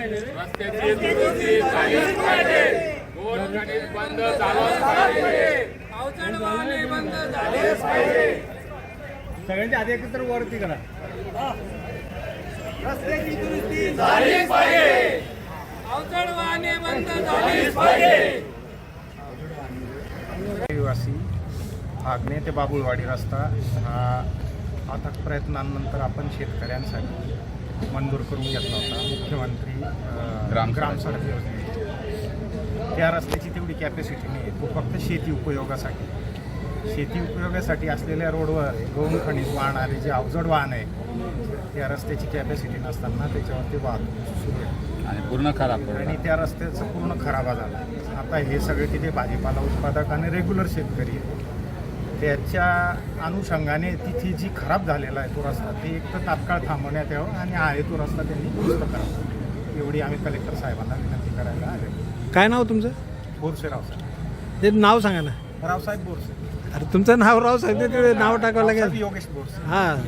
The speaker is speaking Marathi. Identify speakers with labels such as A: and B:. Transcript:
A: रस्त्याची दुरुस्ती झालीच पाहिजे. गोरगरीब बंद झालंच पाहिजे.
B: अवजड वाहने बंद झाले
A: झालीच पाहिजे.
C: सगळ्यांच्या आधी एकत्र वरती करा.
B: रस्त्याची दुरुस्ती
A: झालीच पाहिजे.
B: अवजड वाहने बंद झालीच
A: झालीच पाहिजे.
C: रहिवासी आग्नेय ते बाबुळवाडी रस्ता हा अथक प्रयत्नांनंतर आपण शेतकऱ्यांसाठी मंजूर करून घेतला होता. मुख्यमंत्री ग्राम सडक योजने त्या रस्त्याची तेवढी कॅपॅसिटी नाही आहे. तो फक्त शेती उपयोगासाठी असलेल्या रोडवर गौण खनिज वाहणारे जे अवजड वाहन आहे त्या रस्त्याची कॅपॅसिटी नसताना त्याच्यावरती वाहतूक सुरू आहे
A: आणि पूर्ण खराब
C: आणि त्या रस्त्याचं पूर्ण खराबा झाला. आता हे सगळे तिथे भाजीपाला उत्पादक आणि रेग्युलर शेतकरी आहेत. त्याच्या अनुषंगाने तिथे जी खराब झालेला आहे तो रस्ता ते एक तर तात्काळ थांबवण्यात यावं आणि आहे तो रस्ता त्यांनी दुरुस्त करावा एवढी आम्ही कलेक्टर साहेबांना विनंती करायला आले.
D: काय नाव तुमचं?
C: बोरसे रावसाहेब.
D: ते नाव सांगा ना.
C: रावसाहेब बोरसे.
D: अरे तुमचं नाव राव साहेब ते नाव टाकावं लागेल.
C: योगेश बोरसे.
D: हां